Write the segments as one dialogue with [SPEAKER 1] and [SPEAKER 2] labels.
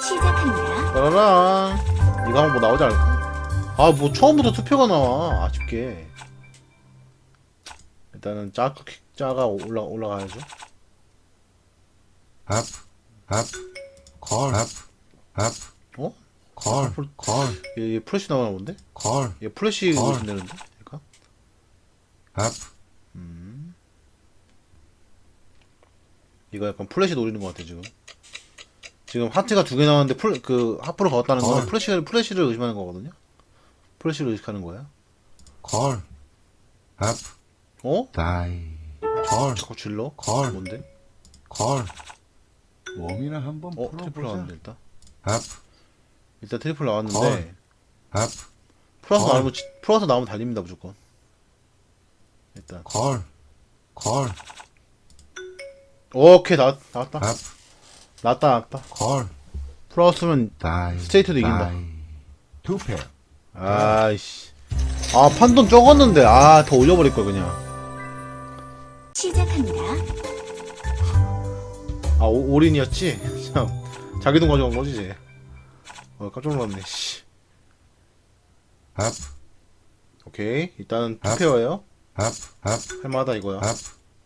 [SPEAKER 1] 시작합니다.
[SPEAKER 2] 따라란. 이거 하면 뭐 나오지 않을까? 아, 뭐 처음부터 투표가 나와. 아쉽게. 일단은 짜가 올라가야죠.
[SPEAKER 3] up, up, call, up, up,
[SPEAKER 2] 어?
[SPEAKER 3] call, call,
[SPEAKER 2] 얘 플래시 나오나 본데?
[SPEAKER 3] call,
[SPEAKER 2] 얘 플래시 오신다는데? 그러니까?
[SPEAKER 3] up,
[SPEAKER 2] 이거 약간 플래시 노리는 것 같아, 지금. 지금 하트가 두 개 나왔는데 하프로 가왔다는 건 플래시를 의심하는 거거든요? 플래시를 의식하는 거야.
[SPEAKER 3] call, up,
[SPEAKER 2] 어?
[SPEAKER 3] die, call,
[SPEAKER 2] 자꾸 질러?
[SPEAKER 3] 걸.
[SPEAKER 2] 뭔데?
[SPEAKER 3] call,
[SPEAKER 4] 몸이나 한번
[SPEAKER 2] 트리플
[SPEAKER 4] 풀어보자.
[SPEAKER 2] 나왔는데, 일단.
[SPEAKER 3] up,
[SPEAKER 2] 일단 트리플 나왔는데,
[SPEAKER 3] 걸. up,
[SPEAKER 2] 플러스 나오면 달립니다, 무조건. 일단.
[SPEAKER 3] call, call,
[SPEAKER 2] 오케이, 나왔다.
[SPEAKER 3] up,
[SPEAKER 2] 나왔다.
[SPEAKER 3] call,
[SPEAKER 2] 플러스면
[SPEAKER 3] die,
[SPEAKER 2] 스트레이트도 이긴다.
[SPEAKER 4] Two pair.
[SPEAKER 2] 아이씨. 아, 판돈 적었는데, 더 올려버릴걸, 그냥.
[SPEAKER 1] 시작합니다.
[SPEAKER 2] 올인이었지? 참. 자기 돈 가져간 거지, 이제. 깜짝 놀랐네, 씨.
[SPEAKER 3] up,
[SPEAKER 2] 오케이. 일단은
[SPEAKER 3] 아.
[SPEAKER 2] 투페어예요
[SPEAKER 3] up, up,
[SPEAKER 2] 할만하다, 이거야.
[SPEAKER 3] up,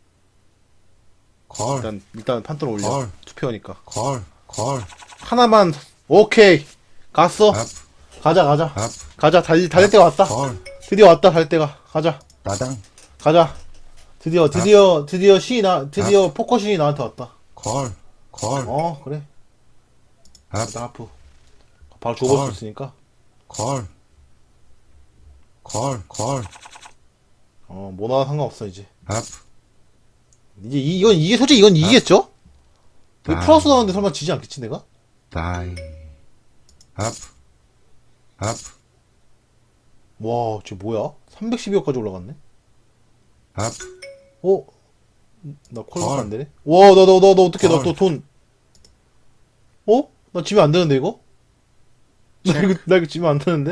[SPEAKER 3] call,
[SPEAKER 2] 일단 판돈 올려.
[SPEAKER 3] 걸.
[SPEAKER 2] 투페어니까.
[SPEAKER 3] call, call,
[SPEAKER 2] 하나만, 오케이. 갔어.
[SPEAKER 3] up,
[SPEAKER 2] 가자.
[SPEAKER 3] up,
[SPEAKER 2] 가자. 달릴 때가 왔다.
[SPEAKER 3] call,
[SPEAKER 2] 드디어 왔다, 달 때가. 가자.
[SPEAKER 3] 따당,
[SPEAKER 2] 가자. 드디어 포커신이 나한테 왔다.
[SPEAKER 3] call, call,
[SPEAKER 2] 그래.
[SPEAKER 3] up,
[SPEAKER 2] 나 하프. 바로 줘볼 수 있으니까.
[SPEAKER 3] call, call, call,
[SPEAKER 2] 뭐 나와 상관없어, 이제.
[SPEAKER 3] up,
[SPEAKER 2] 이게 솔직히 이건 이기겠죠? 이
[SPEAKER 3] 아.
[SPEAKER 2] 플러스 나왔는데 설마 지지 않겠지, 내가?
[SPEAKER 3] die, up, up,
[SPEAKER 2] 와, 쟤 뭐야? 312호까지 올라갔네?
[SPEAKER 3] up,
[SPEAKER 2] 나 콜밖에 안 되네? 와, 나 어떡해, 나 또 돈. 나 지면 안 되는데, 이거? 나 이거 지면 안 되는데?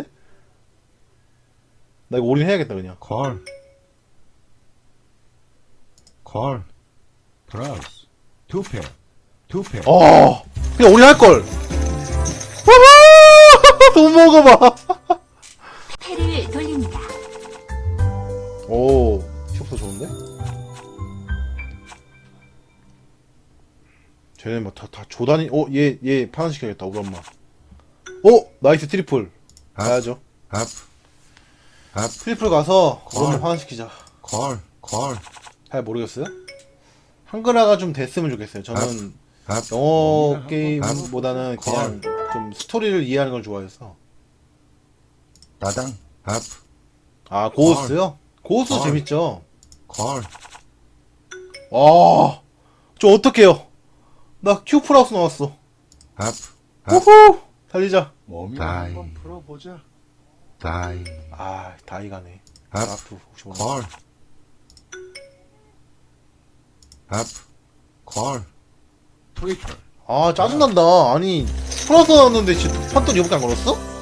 [SPEAKER 2] 나 이거 올인 해야겠다, 그냥.
[SPEAKER 3] call, call,
[SPEAKER 4] Cross. Two pair. Two pair.
[SPEAKER 2] 그냥 올인 할걸! 돈 먹어봐!
[SPEAKER 1] 패를 돌립니다.
[SPEAKER 2] 오, 시업도 좋은데? 쟤네 막 다 조단이, 얘 파란시켜야겠다, 우리 엄마. 나이스 트리플. 가야죠.
[SPEAKER 3] up, up,
[SPEAKER 2] 트리플 가서, 우리 엄마
[SPEAKER 3] 걸.
[SPEAKER 2] 파란시키자.
[SPEAKER 3] call, call,
[SPEAKER 2] 잘 모르겠어요? 한글화가 좀 됐으면 좋겠어요. 저는
[SPEAKER 3] up,
[SPEAKER 2] 영어 게임보다는
[SPEAKER 3] 걸.
[SPEAKER 2] 그냥 좀 스토리를 이해하는 걸 좋아해서.
[SPEAKER 3] 따당, up,
[SPEAKER 2] 고스요? 고스
[SPEAKER 3] 걸.
[SPEAKER 2] 재밌죠?
[SPEAKER 3] call,
[SPEAKER 2] 저 어떡해요? 나 Q 플러스 나왔어.
[SPEAKER 3] up,
[SPEAKER 2] 우후! 살리자.
[SPEAKER 4] 몸이나
[SPEAKER 3] 다이.
[SPEAKER 4] 한번 풀어보자.
[SPEAKER 3] die,
[SPEAKER 2] 다이 가네.
[SPEAKER 3] up,
[SPEAKER 2] 아프, 혹시 모르
[SPEAKER 3] call, up, call,
[SPEAKER 4] Triple.
[SPEAKER 2] 짜증난다. 아니, 플러스 나왔는데, 판돈 이거밖에 안 걸었어?